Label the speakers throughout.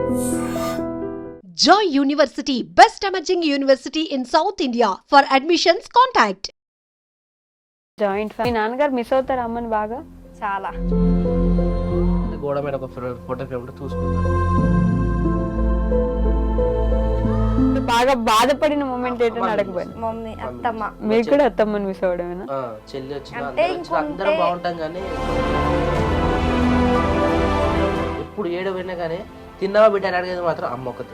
Speaker 1: Joy University, best emerging university in South India. For admissions, contact.
Speaker 2: Joint family. మీ నాన్నగారు miss అవుతారు అమ్మని బాగా?
Speaker 3: చాలా.
Speaker 4: గోడ మీద ఒక ఫోటో ఫ్రేమ్ ఉంటే చూసుకుంటాను.
Speaker 2: బాగా బాధపడిన మూమెంట్ ఏంటని అడగబోయి.
Speaker 3: మమ్మీ అత్తమ్మ.
Speaker 2: మీకు కూడా అత్తమ్మని మిస్ అవడమేనా?
Speaker 4: చెల్లి వచ్చిన
Speaker 3: అంటే
Speaker 4: అందరం బాగుంటాం కానీ ఎప్పుడు ఏడవైనా కానీ తిన్నావా బిడ్డ అని అడిగేది మాత్రం అమ్మ ఒకటి.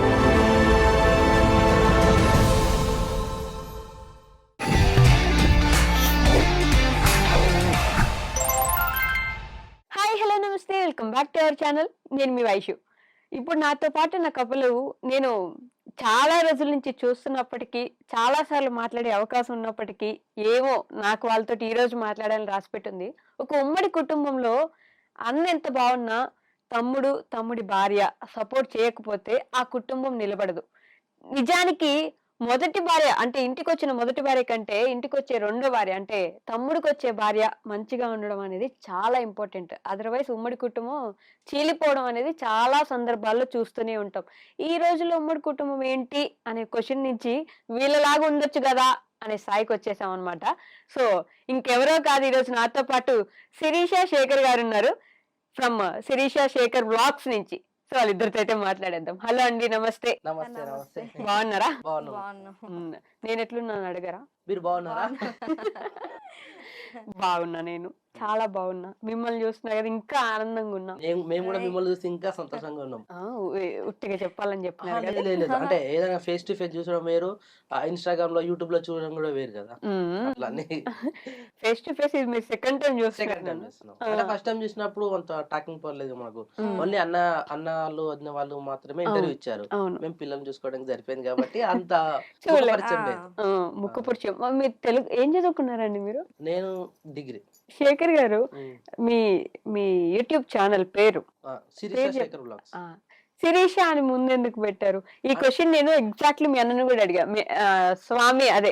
Speaker 2: హాయ్ హలో నమస్తే, welcome back to our channel. నేను మీ వైషు. ఇప్పుడు నాతో పాటు నా కపులు నేను చాలా రోజుల నుంచి చూస్తున్నప్పటికీ, చాలా సార్లు మాట్లాడే అవకాశం ఉన్నప్పటికీ ఏమో నాకు వాళ్ళతో ఈ రోజు మాట్లాడాలని రాసిపెట్టింది. ఒక ఉమ్మడి కుటుంబంలో అన్న ఎంత బాగున్నా తమ్ముడి భార్య సపోర్ట్ చేయకపోతే ఆ కుటుంబం నిలబడదు. నిజానికి మొదటి భార్య అంటే ఇంటికి వచ్చిన మొదటి భార్య కంటే ఇంటికి వచ్చే రెండో భార్య అంటే తమ్ముడికి వచ్చే భార్య మంచిగా ఉండడం అనేది చాలా ఇంపార్టెంట్. అదర్వైజ్ ఉమ్మడి కుటుంబం చీలిపోవడం అనేది చాలా సందర్భాల్లో చూస్తూనే ఉంటాం. ఈ రోజుల్లో ఉమ్మడి కుటుంబం ఏంటి అనే క్వశ్చన్ నుంచి వీళ్ళలాగా ఉండొచ్చు కదా అనే స్థాయికి వచ్చేసాం అనమాట. సో ఇంకెవరో కాదు, ఈరోజు నాతో పాటు శిరీష శేఖర్ గారు ఉన్నారు ఫ్రమ్ శిరీష శేఖర్ బ్లాగ్స్ నుంచి. సో వాళ్ళిద్దరితో అయితే మాట్లాడేద్దాం. హలో అండి, నమస్తే.
Speaker 4: నమస్తే. నమస్తే.
Speaker 2: బాగున్నారా?
Speaker 4: బాగున్నాను.
Speaker 2: నేను ఎట్లున్నాను అడగరా?
Speaker 4: మీరు బాగున్నారా?
Speaker 2: బాగున్నా, నేను చాలా బాగున్నా. మిమ్మల్ని చూస్తున్నా కదా ఇంకా ఆనందంగా ఉన్నా.
Speaker 4: మేము కూడా మిమ్మల్ని చూసి ఇంకా సంతోషంగా ఉన్నాం.
Speaker 2: ఉట్టిగా చెప్పాలని చెప్పినారు కదా.
Speaker 4: లేదు అంటే ఏదైనా ఫేస్ టు ఫేస్ చూసడం వేరు, ఇన్స్టాగ్రామ్ లో యూట్యూబ్ లో చూడడం కూడా వేరు కదా.
Speaker 2: ఫేస్ టు ఫేస్ ఇది మీరు సెకండ్ టైం
Speaker 4: చూస్తున్నాం. అంటే ఫస్ట్ టైం చూసినప్పుడు అంత టాకింగ్ పర్లేదు మాకు. ఓన్లీ అన్న వాళ్ళు వదిన వాళ్ళు మాత్రమే ఇంటర్వ్యూ ఇచ్చారు. మేము పిల్లల్ని చూసుకోవడానికి సరిపోయింది కాబట్టి అంత పరిచయం లేదు.
Speaker 2: ముక్కు పరిచయం. మీరు తెలుగు ఏం చదువుకున్నారండి మీరు?
Speaker 4: నేను డిగ్రీ.
Speaker 2: శేఖర్ గారు, మీ యూట్యూబ్ ఛానల్ పేరు శిరీష అని ముందెందుకు పెట్టారు? ఈ క్వశ్చన్ నేను ఎగ్జాక్ట్లీ మీ అన్నను కూడా అడిగా. స్వామి అదే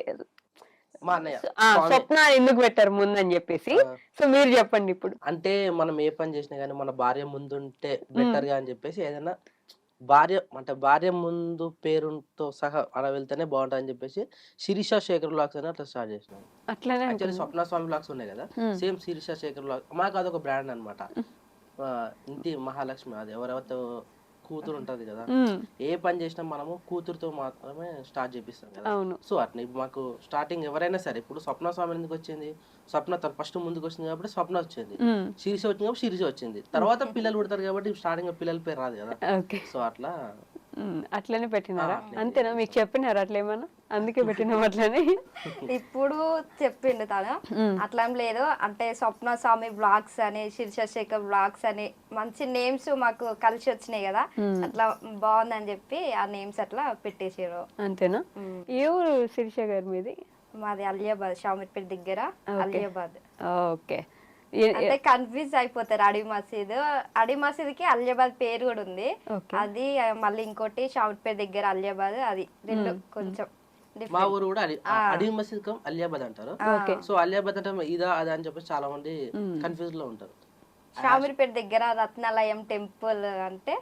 Speaker 2: స్వప్న ఎందుకు పెట్టారు ముందని చెప్పేసి. సో మీరు చెప్పండి ఇప్పుడు.
Speaker 4: అంటే మనం ఏ పని చేసినా గానీ మన భార్య ముందుంటే బెటర్ గా అని చెప్పేసి ఏదైనా భార్య ముందు పేరుతో సహా అలా వెళ్తేనే బాగుంటుంది అని చెప్పేసి శిరీష శేఖర్ బ్లాగ్స్ అని అట్లా స్టార్ట్ చేసినాం.
Speaker 2: అట్లానే
Speaker 4: యాక్చువల్లీ స్వప్న స్వామి బ్లాగ్స్ ఉన్నాయి కదా, సేమ్ శిరీష శేఖర్ బ్లాగ్ మాకు అదొక బ్రాండ్ అనమాట. ఇంటి మహాలక్ష్మి, అది ఎవరెవరితో కూతురు ఉంటది కదా, ఏ పని చేసినా మనము కూతురుతో మాత్రమే స్టార్ట్ చేపిస్తాం కదా. సో అట్లా ఇప్పుడు మాకు స్టార్టింగ్ ఎవరైనా సరే, ఇప్పుడు స్వప్న స్వామి ఎందుకు వచ్చింది, స్వప్న తను ఫస్ట్ ముందుకు వచ్చింది కాబట్టి స్వప్న వచ్చింది, శిరీష వచ్చింది కాబట్టి శిరీష వచ్చింది. తర్వాత పిల్లలు పుడతారు కాబట్టి స్టార్టింగ్ పిల్లల పేరు రాదు కదా. సో అట్లా
Speaker 2: అట్లనే పెట్టినారా? అంతేనా? మీకు చెప్పినారా అట్లా ఏమన్నా? అందుకే పెట్టినాం అట్లనే.
Speaker 3: ఇప్పుడు చెప్పిండు తను, అట్లా ఏం లేదు. అంటే స్వప్న స్వామి బ్లాగ్స్ అని, శిరీష శేఖర్ బ్లాగ్స్ అని మంచి నేమ్స్ మాకు కలిసి వచ్చినాయి కదా, అట్లా బాగుందని చెప్పి ఆ నేమ్స్ అట్లా పెట్టేసారు.
Speaker 2: అంతేనా? ఏ ఊరు శిరీష గారి మీది?
Speaker 3: మాది అలియాబాద్, షామిర్పేట దగ్గర అలియాబాద్.
Speaker 2: ఓకే.
Speaker 3: అంటే కన్ఫ్యూజ్ అయిపోతారు. అడి మసీద్కి అలియాబాద్ పేరు కూడా ఉంది. అది మళ్ళీ ఇంకోటి షామిర్పేట దగ్గర అలియాబాద్, అది రెండు కొంచెం.
Speaker 4: మా ఊరు కూడా అడి మసీద్ అలియాబాద్ అంటారు. సో అలియాబాద్ అంటే ఇదా అదా అని చెప్పేసి చాలా మంది కన్ఫ్యూజ్ లో ఉంటారు.
Speaker 3: షామిర్పేట దగ్గర రత్నాలయం టెంపుల్ అంటే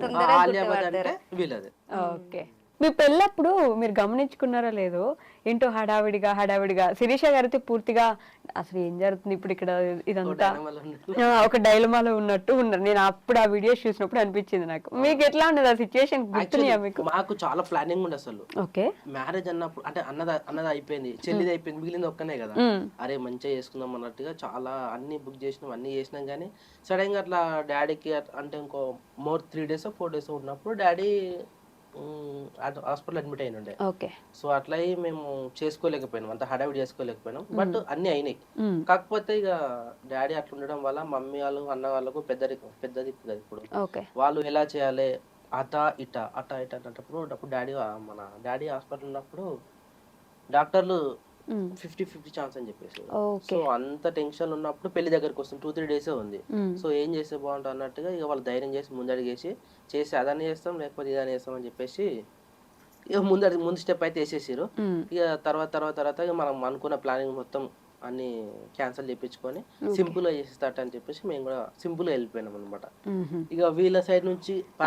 Speaker 4: వీళ్ళది.
Speaker 2: ఓకే. మీ పెళ్ళప్పుడు మీరు గమనించుకున్నారా లేదో, ఏంటో హడావిడిగా శిరీష గారితో పూర్తిగా అసలు ఏం జరుగుతుంది ఇప్పుడు ఇక్కడ, ఇదంతా ఒక డైలమాలో ఉన్నట్టు ఉన్నారు. నేను అప్పుడు ఆ వీడియోస్ చూసినప్పుడు అనిపించింది నాకు. మీకు ఎట్లా ఉండదు ఆ సిచ్యువేషన్? గుర్తున్నాయా మీకు?
Speaker 4: మాకు చాలా ప్లానింగ్ ఉండే అసలు.
Speaker 2: ఓకే.
Speaker 4: మ్యారేజ్ అన్నప్పుడు అంటే అన్నది అయిపోయింది, చెల్లిది అయిపోయింది, మిగిలింది ఒక్కనే కదా. అరే మంచిగా చేసుకుందాం అన్నట్టుగా చాలా అన్ని బుక్ చేసినాం, అన్ని చేసినాం. కానీ సడన్ గా అట్లా డాడీకి అంటే ఇంకో 3 days 4 days ఉన్నప్పుడు డాడీ హాస్పిటల్ అడ్మిట్ అయిన ఉండే. సో అట్లా మేము చేసుకోలేకపోయినాం, అంత హడావిడి చేసుకోలేకపోయినాం. బట్ అన్ని అయినాయి. కాకపోతే ఇక డాడీ అట్లా ఉండడం వల్ల మమ్మీ వాళ్ళు అన్న వాళ్ళకు పెద్ద దిక్కు కదా ఇప్పుడు. వాళ్ళు ఎలా చేయాలి అట ఇట అన్నప్పుడు మన డాడీ హాస్పిటల్ ఉన్నప్పుడు డాక్టర్లు 50-50 ఛాన్స్ అని చెప్పేసి. సో అంత టెన్షన్ ఉన్నప్పుడు పెళ్లి దగ్గరకు వస్తుంది, 2-3 days ఉంది. సో ఏం చేస్తే బాగుంటుంది అన్నట్టుగా ఇక వాళ్ళు ధైర్యం చేసి ముందడిగేసి చేసి అదని చేస్తాం లేకపోతే ఇదని చేస్తాం అని చెప్పేసి ఇక ముందు స్టెప్ అయితే వేసేసారు. ఇక తర్వాత ఇక మనం అనుకున్న ప్లానింగ్ మొత్తం అన్ని క్యాన్సిల్ చేయించుకొని సింపుల్ గా చేసేస్తాట అని చెప్పేసి మేము కూడా సింపుల్ గా వెళ్ళిపోయినాం అనమాట. ఇక వీళ్ళ సైడ్ నుంచి పర్లేదు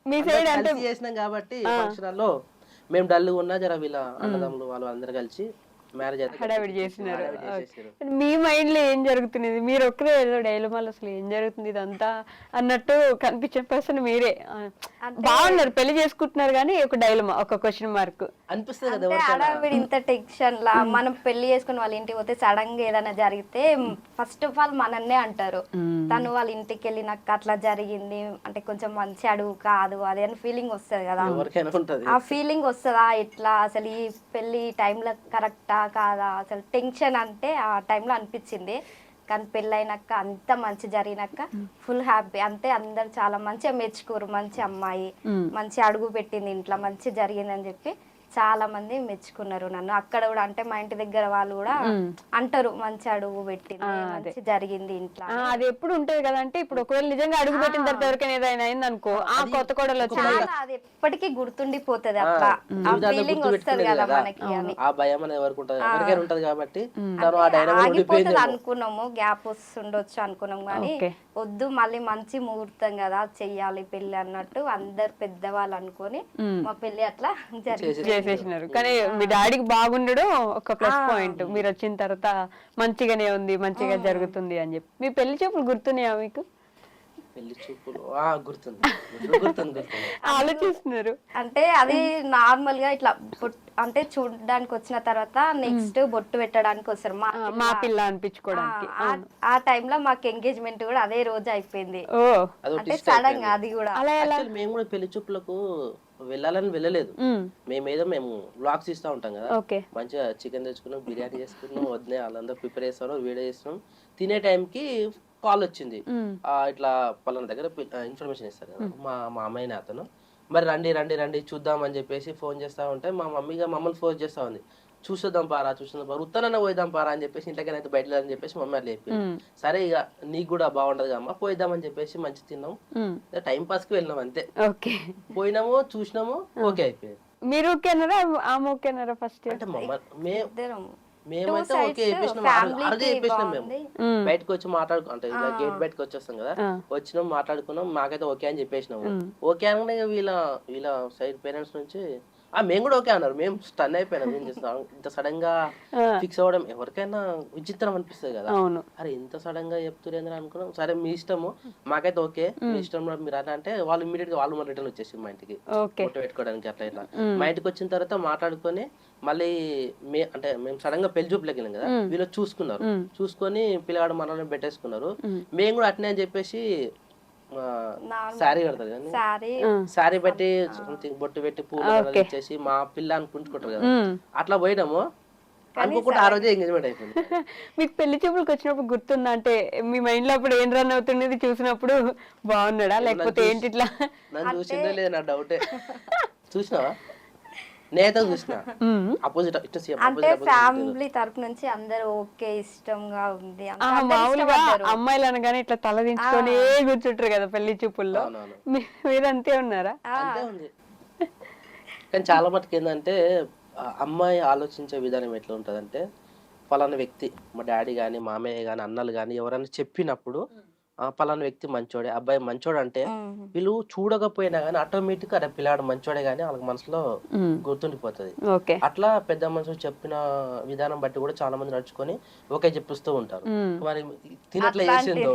Speaker 2: మీ సైడ్ అంటే
Speaker 4: కలిసి చేసినాం కాబట్టి ఫంక్షన్ హాల్లో మేము డల్గా ఉన్నా జర వీళ్ళ అన్నదమ్ములు వాళ్ళు అందరు కలిసి మ్యారేజ్ అయితే
Speaker 2: హడావిడి చేసినారు.
Speaker 4: చేసేసారు.
Speaker 2: మీ మైండ్ లో ఏం జరుగుతున్నది, మీరు ఒక్కరే ఏదో డైలమాలో అసలు ఏం జరుగుతుంది ఇదంతా అన్నట్టు కనిపించే పర్సన్ మీరే. బాగున్నారు, పెళ్లి చేసుకుంటున్నారు కానీ ఒక డైలమా, ఒక క్వశ్చన్ మార్క్
Speaker 4: అనిపిస్తుంది కదా
Speaker 3: అంటే
Speaker 4: ఎవరికైనా.
Speaker 3: ఆడవిడి ఇంత టెన్షన్ లా మనం పెళ్లి చేసుకుని వాళ్ళ ఇంటికి పోతే సడన్ గా ఏదైనా జరిగితే ఫస్ట్ ఆఫ్ ఆల్ మనన్నే అంటారు. తను వాళ్ళ ఇంటికి వెళ్ళినాక అట్లా జరిగింది అంటే కొంచెం మంచి అడుగు కాదు అది అని ఫీలింగ్ వస్తుంది కదా.
Speaker 4: ఎవరికైనా ఉంటది
Speaker 3: ఆ ఫీలింగ్ వస్తుందా ఎట్లా అసలు ఈ పెళ్లి టైంలో కరెక్టా కాదా అసలు టెన్షన్ అంటే ఆ టైంలో అనిపించింది. కానీ పెళ్ళైనాక అంత మంచి జరిగినాక ఫుల్ హ్యాపీ. అంతే అందరు చాలా మంచిగా మెచ్చుకోరు, మంచి అమ్మాయి మంచి అడుగు పెట్టింది ఇంట్లో, మంచి జరిగిందని చెప్పి చాలా మంది మెచ్చుకున్నారు నన్ను. అక్కడ కూడా అంటే మా ఇంటి దగ్గర వాళ్ళు కూడా అంటారు మంచి అడుగు పెట్టింది, మంచి జరిగింది ఇంట్లో.
Speaker 2: అది ఎప్పుడు ఉంటది కదా. అంటే ఇప్పుడు ఒకవేళ నిజంగా అడుగు పెట్టిన తర్వాత ఎవరికైనా ఏదైనా అయింది అనుకో, ఆ కొత్త కోడలు వచ్చి
Speaker 3: చాలా అది ఎప్పటికీ గుర్తుండిపోతుంది. అట్లా ఆ ఫీలింగ్ వస్తుంది కదా మనకి అని.
Speaker 4: ఆ భయం అనేది ఎవరికి ఉంటది, ఎవరికైనా ఉంటది కాబట్టి తను ఆ డైనమిక్
Speaker 3: ఆగిపోతుంది అనుకున్నాము, గ్యాప్ వస్తుండొచ్చు అనుకున్నాం కానీ వద్దు మళ్ళీ మంచి ముహూర్తం కదా చెయ్యాలి పెళ్లి అన్నట్టు అందరు పెద్దవాళ్ళు అనుకొని మా పెళ్లి అట్లా
Speaker 2: చేసేసినారు. కానీ మీ డాడీకి బాగుండడం ఒక ప్లస్ పాయింట్. మీరు వచ్చిన తర్వాత మంచిగానే ఉంది, మంచిగా జరుగుతుంది అని చెప్పి. మీ పెళ్లి చూపులు గుర్తున్నాయా మీకు?
Speaker 4: పెళ్లి చూపులు గుర్తుంది.
Speaker 2: ఆలోచిస్తున్నారు
Speaker 3: అంటే అది నార్మల్ గా ఇట్లా అంటే చూడడానికి వచ్చిన తర్వాత నెక్స్ట్ బొట్టు పెట్టడానికి వస్తారు
Speaker 2: మా పిల్ల అనిపించుకోవడానికి.
Speaker 3: ఆ టైంలో మాకు ఎంగేజ్మెంట్ కూడా అదే రోజు అయిపోయింది. అంటే సడన్ గా అది కూడా
Speaker 4: మేము కూడా పెళ్లి చూపులకు వెళ్ళాలని వెళ్ళలేదు. మేము వ్లాగ్స్ ఇస్తా ఉంటాం కదా, మంచిగా చికెన్ తెచ్చుకున్నాం, బిర్యానీ చేసుకున్నాం, వదిలే వాళ్ళందరూ ప్రిపేర్ చేస్తాం, వీడియో చేస్తున్నాం. తినే టైంకి కాల్ వచ్చింది, ఇట్లా పలానా దగ్గర ఇన్ఫర్మేషన్ ఇస్తారు కదా మా అమ్మాయిని అతను, మరి రండి చూద్దాం అని చెప్పేసి ఫోన్ చేస్తా ఉంటే మా మమ్మీగా మమ్మల్ని ఫోన్ చేస్తా ఉంది, చూద్దాం పారా ఉత్తనన్న పోయిద్దాం పారా అని చెప్పేసి ఇంట్లోకైనా అయితే బయట అని చెప్పేసి మమ్మీ అట్లా చెప్పింది. సరే ఇక నీకు కూడా బాగుంటది అమ్మా పోయిద్దాం అని చెప్పేసి మంచి తిన్నాం, టైం పాస్ కి వెళ్ళినాం అంతే. పోయినాము చూసినాము, ఓకే అయిపోయింది.
Speaker 2: మీరు ఓకేనారా ఆమె ఓకేనారా ఫస్ట్?
Speaker 4: అంటే మేమైతే ఓకే చెప్పేసినాం, అరగే చెప్పేసినాం. మేము బయటకు వచ్చి అంటే ఇలా గేట్ బయటకు వచ్చేస్తాం కదా, వచ్చినాం మాట్లాడుకున్నాం, మాకైతే ఓకే అని చెప్పేసినాము. ఓకే అనగానే వీళ్ళ సైడ్ పేరెంట్స్ నుంచి మేము కూడా ఓకే అన్నారు. మేము స్టన్ అయిపోయినాం, ఏం చేస్తున్నాం ఇంత సడన్ గా ఫిక్స్ అవ్వడం ఎవరికైనా విచిత్రం అనిపిస్తుంది కదా. అరే ఇంత సడన్ గా చెప్తున్నారు అనుకున్నాం. సరే మీ ఇష్టము, మాకైతే ఓకే మీ ఇష్టం మీరు అట్లా అంటే వాళ్ళు ఇమీడియట్ గా వాళ్ళు రిటర్న్ వచ్చేసి మా ఇంటికి ఫోటో పెట్టుకోవడానికి అట్లా ఇట్లా. మా ఇంటికి వచ్చిన తర్వాత మాట్లాడుకొని మళ్ళీ మేము సడన్ గా పెళ్లి చూపులోకి వెళ్ళాం కదా, వీళ్ళు చూసుకొని పిల్లగాడు మనల్ని పెట్టేసుకున్నారు. మేము కూడా అట్నే అని చెప్పేసి శారీ కడతారు కానీ శారీ పెట్టి బొట్టు పెట్టి పూలు ఇచ్చేసి మా పిల్ల అనుకుంటుకుంటారు కదా, అట్లా పోయినాము. అనుకోకుండా ఆ రోజే ఎంగేజ్మెంట్ అయిపోయింది.
Speaker 2: మీకు పెళ్లి చూపులకు వచ్చినప్పుడు గుర్తుందా? అంటే మీ మైండ్ లో అప్పుడు ఏం రన్ అవుతున్నది చూసినప్పుడు, బాగున్నాడా లేకపోతే ఏంటి ఇట్లా?
Speaker 4: నన్ను చూసిందో లేదు నా డౌటే. చూసినావా? నేత చూసిన అపోజిట్
Speaker 3: అంటే ఫ్యామిలీ తరపు నుంచి అందరూ ఓకే ఇష్టంగా ఉంది.
Speaker 2: మామూలుగా అమ్మాయిలు అనగానే ఇట్లా తల దించుకొని కూర్చుంటారు కదా పెళ్లి చూపుల్లో, మీరు అంతే ఉన్నారా?
Speaker 4: అంతే ఉంది. కానీ చాలా మటుకు ఏంటంటే అమ్మాయి ఆలోచించే విధానం ఎట్లా ఉంటదంటే, పలానా వ్యక్తి మా డాడీ గాని మామయ్య గాని అన్నలు గాని ఎవరైనా చెప్పినప్పుడు పలానా వ్యక్తి మంచోడే, అబ్బాయి మంచోడు అంటే వీళ్ళు చూడకపోయినా గానీ ఆటోమేటిక్ అరే పిల్లాడు మంచోడే గానీ వాళ్ళకి మనసులో గుర్తుండిపోతుంది. అట్లా పెద్ద మనుషులు చెప్పిన విధానం బట్టి కూడా చాలా మంది నడుచుకొని ఓకే చెప్పిస్తూ ఉంటారు. మరి తినట్లే చేసిందో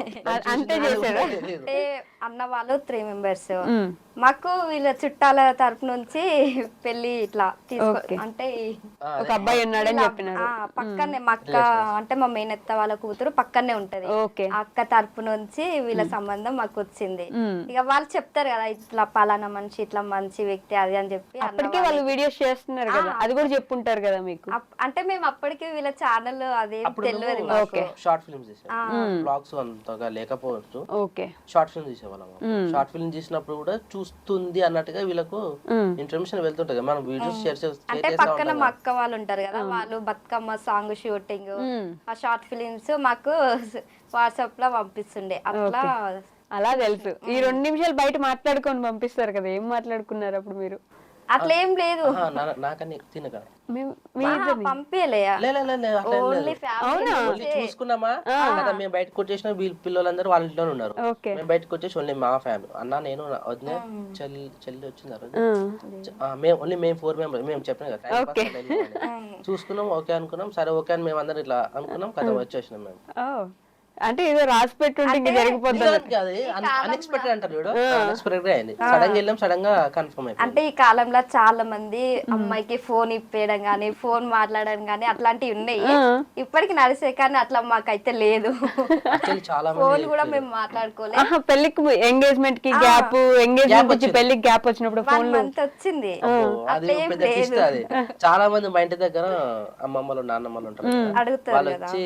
Speaker 3: అంటే అన్న వాళ్ళు 3 మెంబర్స్, మాకు వీళ్ళ చుట్టాల తరపు నుంచి పెళ్లి ఇట్లా అంటే
Speaker 2: ఒక అబ్బాయి ఉన్నాడని చెప్పినారు.
Speaker 3: పక్కనే మా అక్క అంటే మా మేనత్త వాళ్ళ కూతురు పక్కనే ఉంటది, అక్క తరపు నుంచి వీళ్ళ సంబంధం మాకు వచ్చింది. ఇక వాళ్ళు చెప్తారు కదా ఇట్లా పలానా మనిషి ఇట్లా మంచి వ్యక్తి అది అని చెప్పి.
Speaker 2: అప్పటికే వాళ్ళు వీడియోస్ చేస్తున్నారు కదా, అది కూడా చెప్పుంటారు కదా మీకు.
Speaker 3: అంటే మేము అప్పటికే వీళ్ళ ఛానల్ అదే తెలియదు,
Speaker 4: షార్ట్ ఫిల్మ్స్ బ్లాగ్స్ అంతగా లేకపోవచ్చు, షార్ట్ ఫిల్మ్ తీసేవాళ్ళం. షార్ట్ ఫిల్మ్ తీసినప్పుడు కూడా చూస్తుంది అన్నట్టుగా వీళ్ళకు ఇన్ఫర్మేషన్ వెళ్తుంటది. మనం వీడియోస్ షేర్
Speaker 3: అంటే పక్కన మా అక్క వాళ్ళు ఉంటారు కదా, వాళ్ళు బతుకమ్మ సాంగ్ షూటింగ్ ఆ షార్ట్ ఫిలిమ్స్ మాకు వాట్సాప్ లో పంపిస్తుండే.
Speaker 2: అలా తెలుసు. ఈ 2 నిమిషాలు బయట మాట్లాడుకొని పంపిస్తారు కదా, ఏం మాట్లాడుకున్నారు అప్పుడు మీరు?
Speaker 3: అట్లా ఏం లేదు.
Speaker 4: నాకన్నా తినక
Speaker 3: పంపించలే ఓన్లీ ఫ్యామిలీ
Speaker 4: చూసుకున్నామా కదా, మేము బయటకు వచ్చేసిన పిల్లలందరూ వాళ్ళ ఇంట్లోనే ఉన్నారు. మేము బయటకు వచ్చేసి ఓన్లీ మా ఫ్యామిలీ, అన్న నేను వదిన చెల్లి వచ్చింది ఆ రోజు. ఓన్లీ మేము 4 మెంబర్స్. మేము చెప్పినాం కదా చూసుకున్నాం, ఓకే అనుకున్నాం, సరే ఓకే అని మేము అందరం ఇట్లా అనుకున్నాం కదా, వచ్చేసినాం మేము.
Speaker 2: అంటే ఏదో రాసి పెట్టుంటే జరిగిపోతుంది.
Speaker 4: అన్ఎక్స్పెక్టెడ్ అంటారు చూడు, అన్ఎక్స్పెక్టెడ్ గా అయింది. సడన్ గా వెళ్ళాం, సడన్ గా కన్ఫర్మ్ అయిపోయింది.
Speaker 3: అంటే ఈ కాలంలో చాలా మంది అమ్మాయికి ఫోన్ ఇప్పేయడం గానీ, ఫోన్ మాట్లాడడం గానీ అట్లాంటివి ఉన్నాయి ఇప్పటికి నడిసే, కానీ అట్లా మాకైతే లేదు.
Speaker 4: చాలా
Speaker 3: ఫోన్ కూడా మేము మాట్లాడుకోలేదు.
Speaker 2: పెళ్లికి ఎంగేజ్మెంట్ కి గ్యాప్, ఎంగేజ్మెంట్ నుంచి పెళ్లికి గ్యాప్ వచ్చినప్పుడు ఫోన్
Speaker 3: అంత వచ్చింది.
Speaker 4: అది చాలా మంది మా ఇంటి దగ్గర అమ్మమ్మలు నాన్నమ్మలు ఉంటారు, వాళ్ళు వచ్చి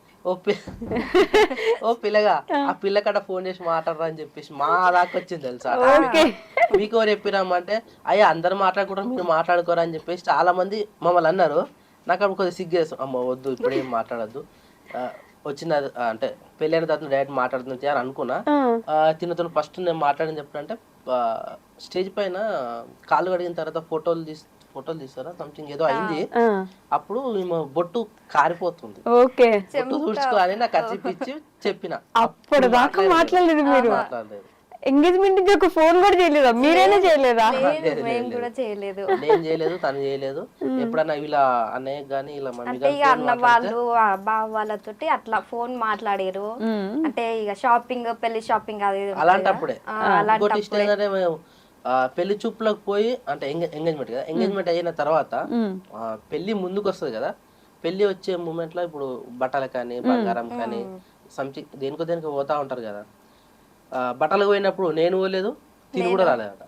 Speaker 4: ఓ పిల్లగా ఆ పిల్లకడ ఫోన్ చేసి మాట్లాడరా అని చెప్పేసి మా దాకా వచ్చింది తెలుసా. మీకు ఎవరు చెప్పిరామంటే అయ్యా అందరు మాట్లాడుకుంటారు, మీరు మాట్లాడుకోరా అని చెప్పేసి చాలా మంది మమ్మల్ని అన్నారు. నాకు అప్పుడు కొద్దిగా సిగ్గేస్తాం, అమ్మ వద్దు ఇప్పుడు ఏం మాట్లాడద్దు, వచ్చిన అంటే పెళ్ళైన తర్వాత డైరెక్ట్ మాట్లాడుతుంది అని అనుకున్నా. తినతో ఫస్ట్ నేను మాట్లాడని చెప్పానంటే స్టేజ్ పైన కాళ్ళు కడిగిన తర్వాత ఫోటోలు తీస్తారా సంథింగ్ ఏదో అయింది. అప్పుడు బొట్టు కారిపోతుంది, బొట్టు తుడుచుకోవాలి నాకు కచ్చిపిచ్చి చెప్పిన.
Speaker 2: అప్పుడు దాకా మాట్లాడలేదు మీరు, ఎంగేజ్మెంట్ ఒక ఫోన్ కూడా చేయలేదా? మీరైనా చేయలేదా?
Speaker 3: మేము కూడా చేయలేదు,
Speaker 4: నేను చేయలేదు, తను చేయలేదు. ఎప్పుడన్నా ఇలా అన్నయ్య గానీ ఇలా
Speaker 3: అంటే ఇక అన్న వాళ్ళు బావ వాళ్ళతోటి అట్లా ఫోన్ మాట్లాడారు. అంటే ఇక షాపింగ్, పెళ్లి షాపింగ్ అది
Speaker 4: అలాంటప్పుడే. ఇంకోటి ఇష్టం ఏంటంటే పెళ్లి చూపులకు పోయి అంటే ఎంగేజ్మెంట్ కదా, ఎంగేజ్మెంట్ అయిన తర్వాత పెళ్లి ముందుకు వస్తుంది కదా, పెళ్లి వచ్చే మూమెంట్ లో ఇప్పుడు బట్టలు కానీ బంగారం కానీ సంథింగ్ దేనికో పోతా ఉంటారు కదా. బట్టలకు పోయినప్పుడు నేను పోలేదు, తిని కూడా రాలేదట.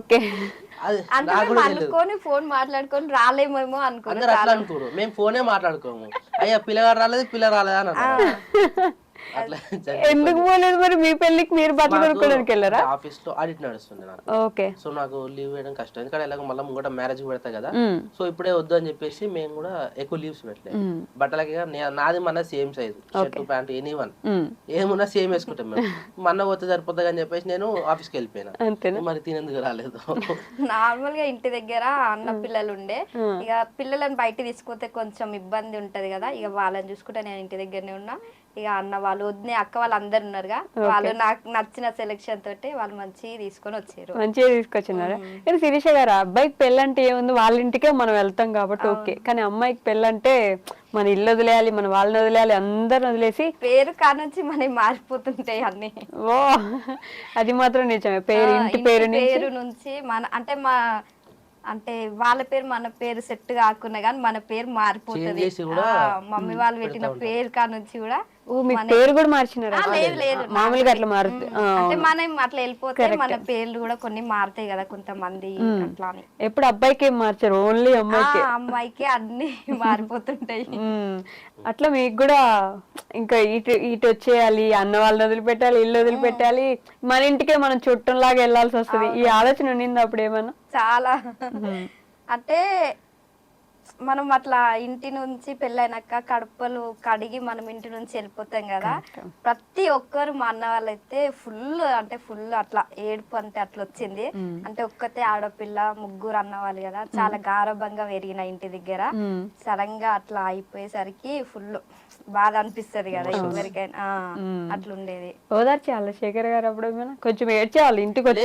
Speaker 3: అనుకొని ఫోన్ మాట్లాడుకొని రాలేమేమో అనుకో,
Speaker 4: అందరు అట్లా అనుకోరు. మేము ఫోనే మాట్లాడుకోము, అయ్యా పిల్లగాడు రాలేదు పిల్ల రాలేదా అని అన్నారు.
Speaker 2: ఎందుకు పోలేదు మరి? మీ పెళ్లికి మీరు బట్టలు కొనుక్కోవడానికి వెళ్ళారా?
Speaker 4: ఆఫీస్ లో ఆడిట్ నడుస్తుంది నాకు, సో నాకు లీవ్ వేయడం కష్టం, ఎందుకంటే ఎలాగో మళ్ళీ ముంగట మ్యారేజ్ పెడతా కదా, సో ఇప్పుడే వద్దు అని చెప్పేసి మేము కూడా ఎక్కువ లీవ్స్ పెట్టలేదు. బట్టలకి నాది మన same size shirt pant anyone ఏమున్నా సేమ్ వేసుకుంటాం మేము. మన పోతే సరిపోతుంది అని చెప్పేసి నేను ఆఫీస్కి వెళ్ళిపోయినా, మరి తినేందుకు రాలేదు.
Speaker 3: నార్మల్ గా ఇంటి దగ్గర అన్న పిల్లలు ఉండే, ఇక పిల్లలను బయట తీసుకుపోతే కొంచెం ఇబ్బంది ఉంటది కదా, ఇక వాళ్ళని చూసుకుంటే నేను ఇంటి దగ్గరనే ఉన్నా. ఇక అన్న వాళ్ళు వద్దు అక్క వాళ్ళు అందరు ఉన్నారుగా, వాళ్ళు నాకు నచ్చిన సెలెక్షన్ తోటి వాళ్ళు మంచిగా తీసుకొని వచ్చారు.
Speaker 2: మంచిగా తీసుకొచ్చినారా? కానీ శిరీష గారు, అబ్బాయికి పెళ్ళంటే ఏముంది, వాళ్ళ ఇంటికే మనం వెళ్తాం కాబట్టి ఓకే, కానీ అమ్మాయికి పెళ్ళంటే మన ఇల్లు వదిలేయాలి, మన వాళ్ళని వదిలేయాలి, అందరిని వదిలేసి
Speaker 3: పేరు కానుంచి మనకి మారిపోతుంటాయి అన్ని.
Speaker 2: ఓ అది మాత్రం నిజమే, పేరు ఇంటి పేరు
Speaker 3: నుంచి మన అంటే వాళ్ళ పేరు మన పేరు సెట్ కాకున్నా గానీ మన పేరు మారిపోతుంది. మమ్మీ వాళ్ళు పెట్టిన పేరు కానుంచి కూడా
Speaker 2: పేరు కూడా మార్చినారా?
Speaker 3: లేదు
Speaker 2: మామూలుగా అట్లా మారుతుంది,
Speaker 3: అంటే మనం అట్లా వెళ్ళిపోతే మన పేర్లు కూడా కొన్ని మారుతాయి కదా కొంతమంది అట్లా.
Speaker 2: ఎప్పుడు అబ్బాయికి ఏం మార్చారు? ఓన్లీ
Speaker 3: అమ్మాయికి అన్ని మారిపోతుంటాయి.
Speaker 2: అట్లా మీకు కూడా ఇంకా ఇటు వచ్చేయాలి, అన్న వాళ్ళని వదిలిపెట్టాలి, ఇల్లు వదిలిపెట్టాలి, మన ఇంటికే మనం చుట్టంలాగా వెళ్ళాల్సి వస్తుంది. ఈ ఆలోచన ఉండింది అప్పుడు ఏమన్నా?
Speaker 3: చాలా అంటే మనం అట్లా ఇంటి నుంచి పెళ్ళైనాక కడుపులు కడిగి మనం ఇంటి నుంచి వెళ్ళిపోతాం కదా, ప్రతి ఒక్కరు మా అన్న వాళ్ళైతే ఫుల్ అట్లా ఏడుపు అంటే అట్లా వచ్చింది. అంటే ఒక్కతే ఆడపిల్ల, ముగ్గురు అన్న వాళ్ళు కదా, చాలా గారభంగా పెరిగిన ఇంటి దగ్గర, సడన్ గా అట్లా అయిపోయేసరికి ఫుల్ బాధ అనిపిస్తది కదా ఎవరికైనా, అట్లుండేది.
Speaker 2: ఓదార్చేయాలి శేఖర్ గారు అప్పుడు కొంచెం ఏడ్చేవాళ్ళు ఇంటికి వచ్చి?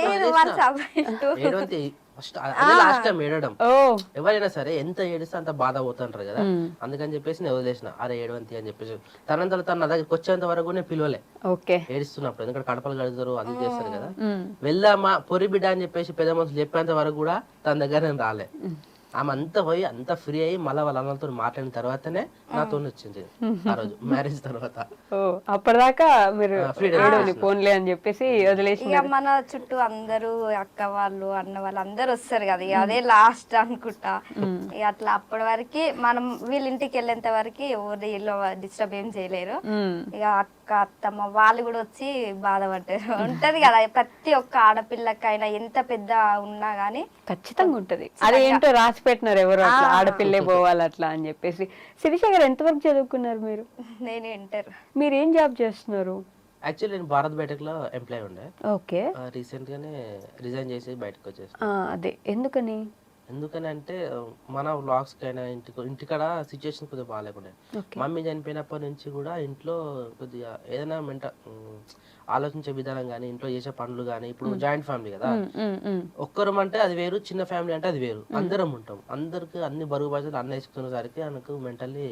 Speaker 4: లాస్ట్ టైం ఏడడం, ఎవరైనా సరే ఎంత ఏడిస్తే అంత బాధ పోతుంటారు కదా, అందుకని చెప్పేసి నేను వదిలేసిన, అరే ఏడవంతి అని చెప్పేసి. తనంతలో తన నా దగ్గరికి వచ్చేంత వరకు నేను పిలవలే ఏడుస్తున్నప్పుడు, ఎందుకంటే కడపలు కడుగుతారు అది చేస్తారు కదా. వెళ్దామా పొరి బిడ్డ అని చెప్పేసి పెద్ద మనుషులు చెప్పేంత వరకు కూడా తన దగ్గర నేను రాలే. ఆమె అంతా పోయి అంతా ఫ్రీ అయ్యి మళ్ళీ వాళ్ళ అన్నలతో మాట్లాడిన తర్వాతనే నాతో వచ్చింది ఆ రోజు మ్యారేజ్ తర్వాత.
Speaker 2: అప్పటిదాకా మీరు ఫోన్లే అని చెప్పేసి వదిలేసి,
Speaker 3: ఇక మన చుట్టూ అందరూ అక్క వాళ్ళు అన్న వాళ్ళు అందరు వస్తారు కదా, ఇక అదే లాస్ట్ అనుకుంటా. ఇక అట్లా అప్పటి వరకు మనం వీళ్ళ ఇంటికి వెళ్ళేంత వరకు ఎవరి ఇల్లు డిస్టర్బ్ ఏం చేయలేరు. ఇక అక్క అత్తమ్మ వాళ్ళు కూడా వచ్చి బాధపడ్డారు. ఉంటది కదా ప్రతి ఒక్క ఆడపిల్లకైనా, ఎంత పెద్ద ఉన్నా గానీ
Speaker 2: ఖచ్చితంగా ఉంటది. అదేంటో రాసి పెట్టినారు ఎవరు అట్లా ఆడపిల్లే పోవాలి అట్లా అని చెప్పేసి. శిరీష గారు ఎంతవరకు చదువుకున్నారు మీరు?
Speaker 3: నేను ఇంటర్.
Speaker 2: మీరు ఏం జాబ్ చేస్తున్నారు?
Speaker 4: యాక్చువల్లీ నేను భారత్ బయోటెక్ లో ఎంప్లాయ్ ఉండే,
Speaker 2: ఓకే.
Speaker 4: రీసెంట్ గానే రిజైన్ చేసి బయటకు వచ్చేసి.
Speaker 2: అదే ఎందుకని?
Speaker 4: ఎందుకని అంటే మన వ్లాగ్స్ కైనా ఇంటికాడ సిచ్యువేషన్ కొద్దిగా బాగాలేకుండే. మమ్మీ చనిపోయినప్పటి నుంచి కూడా ఇంట్లో కొద్దిగా ఏదైనా ఆలోచించే విధానం కానీ, ఇంట్లో చేసే పనులు కానీ, ఇప్పుడు జాయింట్ ఫ్యామిలీ కదా, ఒక్కరం అంటే అది వేరు, చిన్న ఫ్యామిలీ అంటే అది వేరు. అందరం ఉంటాం, అందరికి అన్ని బరువు బాధ్యతలు అన్న వేసుకునేసరికి నాకు మెంటల్లీ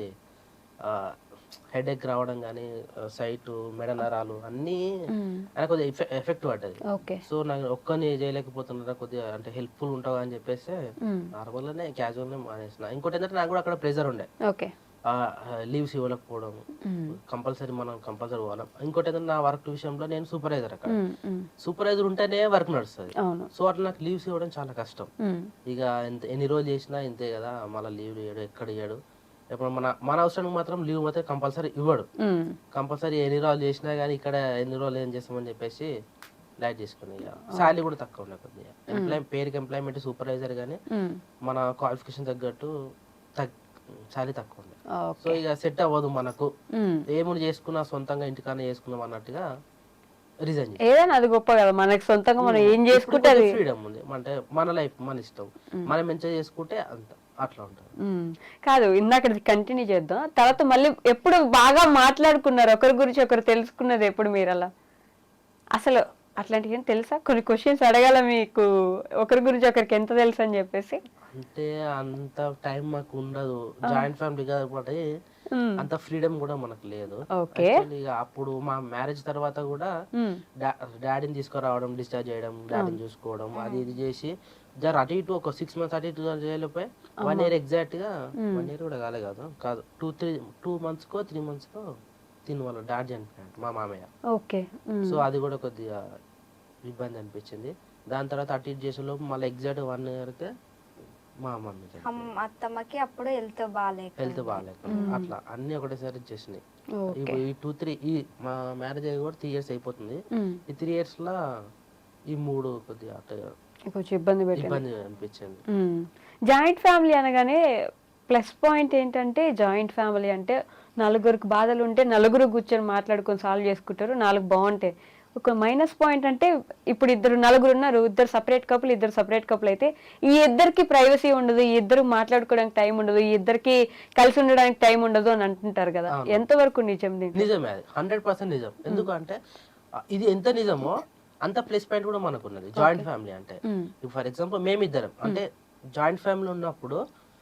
Speaker 4: హెడేక్ రావడం కానీ, సైట్ మెడ నరాలు అన్నీ నాకు కొద్దిగా ఎఫెక్ట్ పడ్డది. సో నాకు ఒక్కని చేయలేకపోతున్నా, కొద్దిగా అంటే హెల్ప్ఫుల్ ఉంటావు అని చెప్పేసి నార్మల్ గానే క్యాజువల్ గా మానేసిన. ఇంకోటి ఏంటంటే నాకు కూడా అక్కడ ప్రెజర్ ఉండే, లీవ్స్ ఇవ్వలేకపోవడం, కంపల్సరీ పోవాలి. ఇంకోటి ఏంటంటే నా వర్క్ విషయంలో నేను సూపర్వైజర్, అక్కడ సూపర్వైజర్ ఉంటేనే వర్క్ నడుస్తుంది. సో అట్లా నాకు లీవ్స్ ఇవ్వడం చాలా కష్టం. ఇక ఎన్ని రోజులు చేసినా ఇంతే కదా, మళ్ళీ లీవ్ ఇవ్వడు, ఎక్కడ ఇవ్వడు. ఇప్పుడు మన అవసరానికి మాత్రం లీవ్ మాత్రం కంపల్సరీ ఇవ్వడు. కంపల్సరీ ఎన్ని రోజులు చేసినా కానీ ఇక్కడ ఎన్ని రోజులు ఏం చేస్తామని చెప్పేసి లైట్ చేసుకుని, శాలరీ కూడా తక్కువ ఉండే కొద్దిగా. పేరుకి ఎంప్లాయ్మెంట్ సూపర్వైజర్ కానీ మన క్వాలిఫికేషన్ తగ్గట్టు శాలరీ తక్కువ ఉండే. సో ఇక సెట్ అవ్వదు మనకు, ఏముని చేసుకున్నా సొంతంగా ఇంటికన్నా చేసుకున్నాం అన్నట్టుగా రిజైన్.
Speaker 2: ఏదైనా అది గొప్ప కదా, మనకి సొంతంగా మనం ఏం చేసుకుంటే
Speaker 4: ఫ్రీడమ్ ఉంది, అంటే మన లైఫ్ మన ఇష్టం, మనం మంచిగా చేసుకుంటే అంత అట్లా ఉంటుంది.
Speaker 2: కాదు, ఇందాక కంటిన్యూ చేద్దాం. తర్వాత మళ్ళీ ఎప్పుడు బాగా మాట్లాడుకున్నారు, ఒకరి గురించి ఒకరు తెలుసుకున్నది ఎప్పుడు మీరు? అలా అసలు అట్లాంటివి ఏం తెలుసా? కొన్ని క్వశ్చన్స్ అడగాల మీకు, ఒకరి గురించి ఒకరికి ఎంత తెలుసు అని చెప్పేసి.
Speaker 4: అంటే అంత టైం మాకు ఉండదు, జాయింట్ ఫ్యామిలీ కాబట్టి అంత ఫ్రీడమ్ కూడా మనకు లేదు. అప్పుడు మా మ్యారేజ్ తర్వాత కూడా డాడీని తీసుకురావడం, డిశ్చార్జ్ చేయడం, డాడీని చూసుకోవడం, అది ఇది చేసి అటు ఇటు ఒక 6 months అటు ఇటు చేయలేకపోయి 1 year ఎగ్జాక్ట్ గా 1 year కూడా కాదు 2 months కో 3 months కో తిని వాళ్ళ డాడీ చనిపోయాడు, మా మామయ్య. సో అది కూడా కొద్దిగా ఇబ్బంది అనిపించింది. దాని తర్వాత అటు ఇటు చేసే లోపు మళ్ళీ ఎగ్జాక్ట్ 1 year కే మా మమ్మీ
Speaker 3: అత్తమ్మకి అప్పుడు హెల్త్ బాగాలేక
Speaker 4: అట్లా అన్ని ఒకటేసారి వచ్చేసినాయి. ఈ 2-3 మా మ్యారేజ్ అయ్యి కూడా 3 years అయిపోతుంది. ఈ 3 years లా ఈ 3 కొద్దిగా
Speaker 2: కొంచెం ఇబ్బంది
Speaker 4: అనిపించింది.
Speaker 2: జాయింట్ ఫ్యామిలీ అనగానే ప్లస్ పాయింట్ ఏంటంటే, జాయింట్ ఫ్యామిలీ అంటే నలుగురికి బాధలు ఉంటే నలుగురు కూర్చొని మాట్లాడుకొని సాల్వ్ చేసుకుంటారు, 4 బాగుంటాయి. ఒక మైనస్ పాయింట్ అంటే ఇప్పుడు నలుగురు ఉన్నారు, ఇద్దరు సపరేట్ కపుల్ అయితే ఈ ఇద్దరికి ప్రైవసీ ఉండదు, ఈ ఇద్దరు మాట్లాడుకోవడానికి టైం ఉండదు, ఈ ఇద్దరికి కలిసి ఉండడానికి టైం ఉండదు అని అంటుంటారు కదా, ఎంతవరకు నిజం?
Speaker 4: నిజమే, 100% నిజం. ఎందుకంటే ఇది ఎంత నిజమో అంత ప్లస్ పాయింట్ కూడా మనకు ఉన్నది జాయింట్ ఫ్యామిలీ అంటే. ఫర్ ఎగ్జాంపుల్ మేమిద్దరం అంటే జాయింట్ ఫ్యామిలీ ఉన్నప్పుడు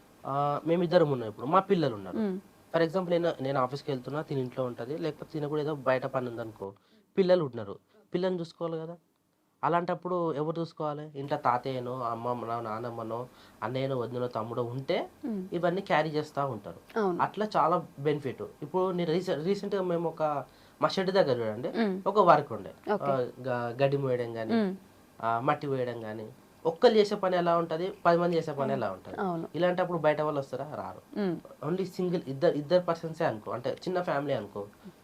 Speaker 4: మేమిద్దరం ఉన్నాం, ఇప్పుడు మా పిల్లలు ఉన్నారు. ఫర్ ఎగ్జాంపుల్ నేను ఆఫీస్కి వెళ్తున్నా, తిని ఇంట్లో ఉంటుంది, లేకపోతే తిన కూడా ఏదో బయట పని ఉందనుకో, పిల్లలు ఉన్నారు, పిల్లల్ని చూసుకోవాలి కదా. అలాంటప్పుడు ఎవరు చూసుకోవాలి? ఇంట్లో తాతయ్యనో అమ్మమ్మనో నానమ్మనో అన్నయ్యనో వదినో తమ్ముడో ఉంటే ఇవన్నీ క్యారీ చేస్తూ ఉంటారు. అట్లా చాలా బెనిఫిట్. ఇప్పుడు నేను రీసెంట్గా మేము మా షెడ్ దగ్గర చూడండి, ఒక వర్క్ ఉండే, గడ్డి మోయడం కానీ మట్టి వేయడం కానీ. ఒక్కరు చేసే పని ఎలా ఉంటది, 10 మంది చేసే పని ఎలా ఉంటది. ఇలాంటప్పుడు బయట వాళ్ళు వస్తారా? రారు. ఓన్లీ సింగిల్ ఇద్దరు పర్సన్సే అనుకో, అంటే చిన్న ఫ్యామిలీ అనుకో,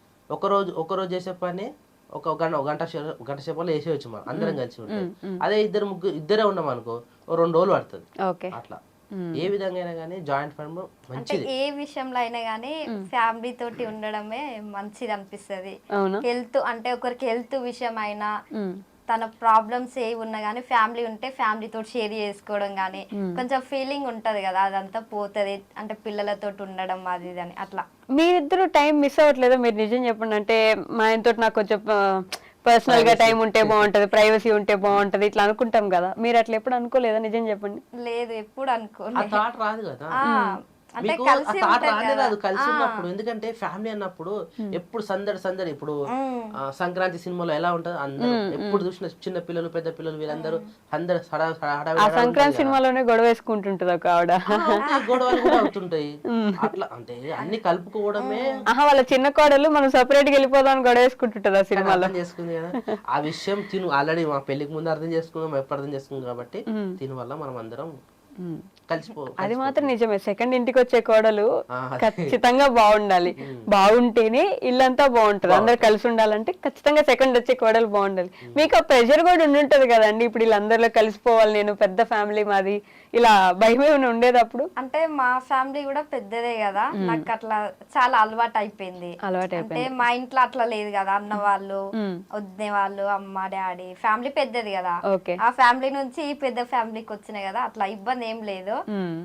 Speaker 4: ఒకరోజు చేసే పని ఒక గంట సేపట్లో వేసేయచ్చు మనం అందరం కలిసి ఉంటే. అదే ఇద్దరే ఉన్నాం అనుకో, 2 రోజులు పడుతుంది. అట్లా ఏ విధంగా అయినా కానీ జాయింట్ ఫ్యామిలీ మంచిది.
Speaker 3: ఏ విషయంలో అయినా కానీ ఫ్యామిలీ తోటి ఉండడమే మంచిది అనిపిస్తుంది. హెల్త్ అంటే ఒకరికి హెల్త్ విషయం అయినా, తన ప్రాబ్లమ్స్ ఏ ఉన్నా కానీ ఫ్యామిలీ ఉంటే ఫ్యామిలీ తోటి షేర్ చేసుకోవడం కానీ కొంచెం ఫీలింగ్ ఉంటది కదా, అదంతా పోతుంది. అంటే పిల్లలతో ఉండడం అది ఇది అని అట్లా.
Speaker 2: మీరిద్దరు టైం మిస్ అవ్వట్లేదా? మీరు నిజం చెప్పండి. అంటే మా ఆయనతో నాకు కొంచెం పర్సనల్ గా టైం ఉంటే బాగుంటది, ప్రైవసీ ఉంటే బాగుంటది ఇట్లా అనుకుంటాం కదా, మీరు అట్లా ఎప్పుడు అనుకోలేదా? నిజం చెప్పండి.
Speaker 3: లేదు, ఎప్పుడు అనుకోలేదు.
Speaker 4: రాదు కదా కలిసి ఉన్నప్పుడు. ఎందుకంటే ఫ్యామిలీ అన్నప్పుడు ఎప్పుడు సందడి. ఇప్పుడు సంక్రాంతి సినిమాలో ఎలా ఉంటది, అందరూ ఎప్పుడు చూసిన చిన్న పిల్లలు పెద్ద పిల్లలు వీళ్ళందరూ
Speaker 2: సంక్రాంతి సినిమాలోనే గొడవ వేసుకుంటుంటది ఒక ఆవిడ,
Speaker 4: గొడవలు కూడా అవుతుంటాయి. అట్లా అంటే అన్ని కలుపుకోవడమే.
Speaker 2: వాళ్ళ చిన్న కోడలు మనం సపరేట్ గా వెళ్ళిపోదాం గొడవ వేసుకుంటుంటది ఆ సినిమాలో.
Speaker 4: చేసుకుంది కదా ఆ విషయం. ఆల్రెడీ మా పెళ్లికి ముందు అర్థం చేసుకున్నాం, ఎప్పుడు అర్థం చేసుకున్నాం కాబట్టి దీని వల్ల మనం అందరం
Speaker 2: అది మాత్రం నిజమే. సెకండ్ ఇంటికి వచ్చే కోడలు
Speaker 4: అదే.
Speaker 2: ఖచ్చితంగా బాగుండాలి. బాగుంటేనే ఇల్లంతా బాగుంటది. అందరు కలిసి ఉండాలంటే ఖచ్చితంగా సెకండ్ వచ్చే కోడలు బాగుండాలి. మీకు ఆ ప్రెషర్ కూడా ఉండుంటది కదండి, ఇప్పుడు వీళ్ళందరిలో కలిసిపోవాలి, నేను పెద్ద ఫ్యామిలీ మాది, ఇలా భయం ఏమైనా ఉండేది అప్పుడు?
Speaker 3: అంటే మా ఫ్యామిలీ కూడా పెద్దదే కదా, నాకు అట్లా చాలా అలవాటు అయిపోయింది. అంటే మా ఇంట్లో అట్లా లేదు కదా, అన్న వాళ్ళు వదిన వాళ్ళు అమ్మ డాడీ ఫ్యామిలీ పెద్దది కదా,
Speaker 2: ఓకే.
Speaker 3: ఆ ఫ్యామిలీ నుంచి ఈ పెద్ద ఫ్యామిలీకి వచ్చినాయి కదా, అట్లా ఇబ్బంది ఏం లేదు.